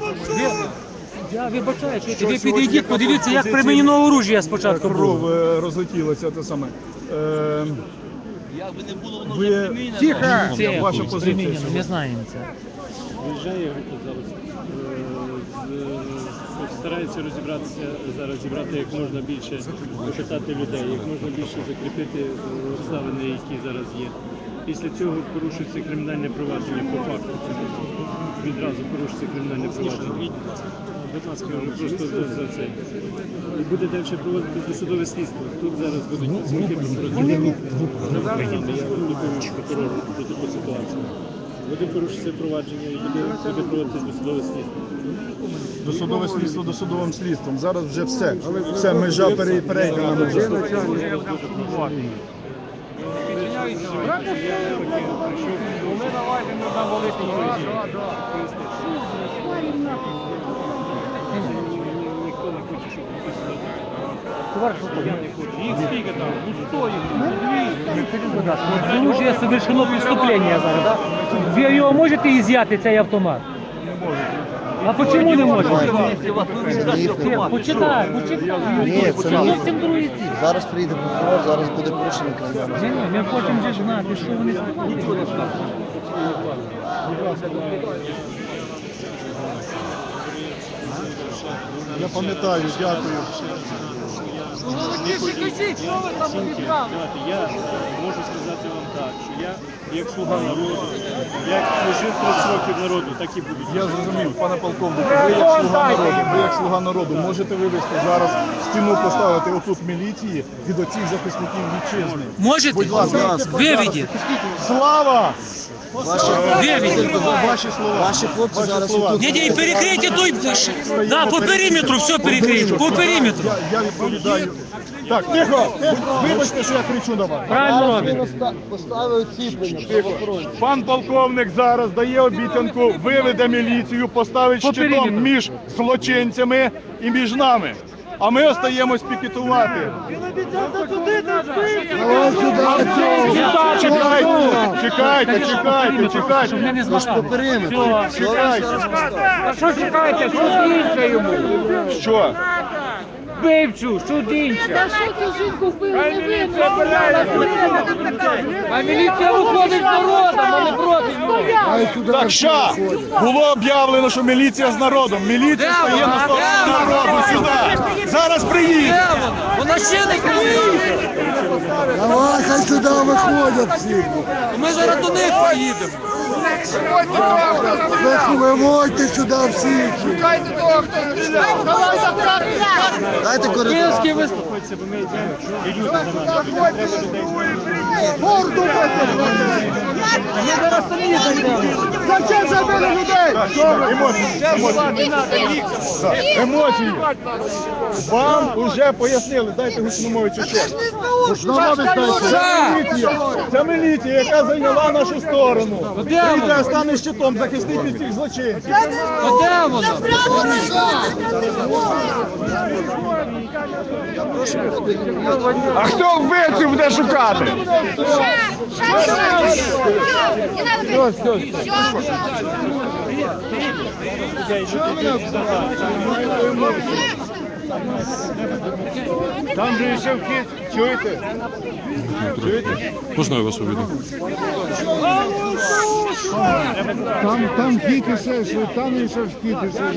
Я вибачаю, що ви підійдіть, подивіться, як примінено оружие спочатку кров було. розлетілася, те саме. Як би не було, воно вже примінено. Це Ваша позиція примінено, ми знаємо це. Виїжджає група зараз. Старається розібратися зараз, зібрати як можна більше, опитати людей, як можна більше закріпити обставини, які зараз є. Після цього порушується кримінальне провадження по факту. Відразу порушується кримінальне провадження. Будь ласка, просто за це. І буде далі проводити досудове слідство. Тут зараз будуть дзвінки прокуратури. Я виконую прокурору про таку ситуацію. Буде порушитися провадження і буде проводити досудове слідство. Досудове слідство досудовим слідством. Зараз вже все. Все, межа перейдена межа. Ніхто не хоче, щоб Товарищ полковник, их сколько там? Ну 100 их, оружие совершено преступление зараз, да? Ви його можете ізяти, цей автомат? Не можете. А чому не можете? Почитай. Ні, це не зовсім другий ці. Зараз приїде прокурор, зараз буде порушення кримінального. Ні, ми хочемо вже знати, що вони сказали. Я пам'ятаю, дякую. Я можу сказати вам так, що я, як слуга народу, як служив 30 років народу, так і буду. Я зрозумів, пане полковнику, ви як слуга народу можете вивести зараз стіну поставити отут міліції від оцих захисників вітчизни. Можете? Будь ласка, Виведіть. Слава! Ваші слова. Ваші хлопці зараз тут. Ні, перекрийте той, да, по периметру, все перекрийте, по периметру. Я відповідаю. Так, тихо! Вибачте, що я кричу на вас. Правильно робите. Поставив ціплення правоохоронців. Пан полковник зараз дає обіцянку, виведе міліцію, поставить По щитом периметру. між злочинцями і між нами. А ми остаємось пікетувати. Чекайте. Щоб ми не злагали. Чекайте. А що чекаєте? Що інше йому? Що? Вбивцю, що інше? Та що цю жінку вбили? Не ви, А міліція виходить з народом, а не проти нього. Так що? Було об'явлено, що міліція з народом. Міліція стає на сторону народу сюди. Зараз приїде. Вона ще не приїде. Давай, хай сюди виходять всі. Ми зараз до них поїдемо. Виходьте сюди всі. Дайте коридор. Київський виступ. Ми зараз самі зайдемо. Зачем забили людей? Емоції. Вам вже пояснили, дайте гучномовицю ще. Це міліція, яка зайняла нашу сторону. Прийде, стане щитом, захистить від цих злочинців. А де вона? А хто вбивців буде шукати? Там же ще вхід, чуєте? Можна я вас увійду? Там вхід іще, там іще вхід іще.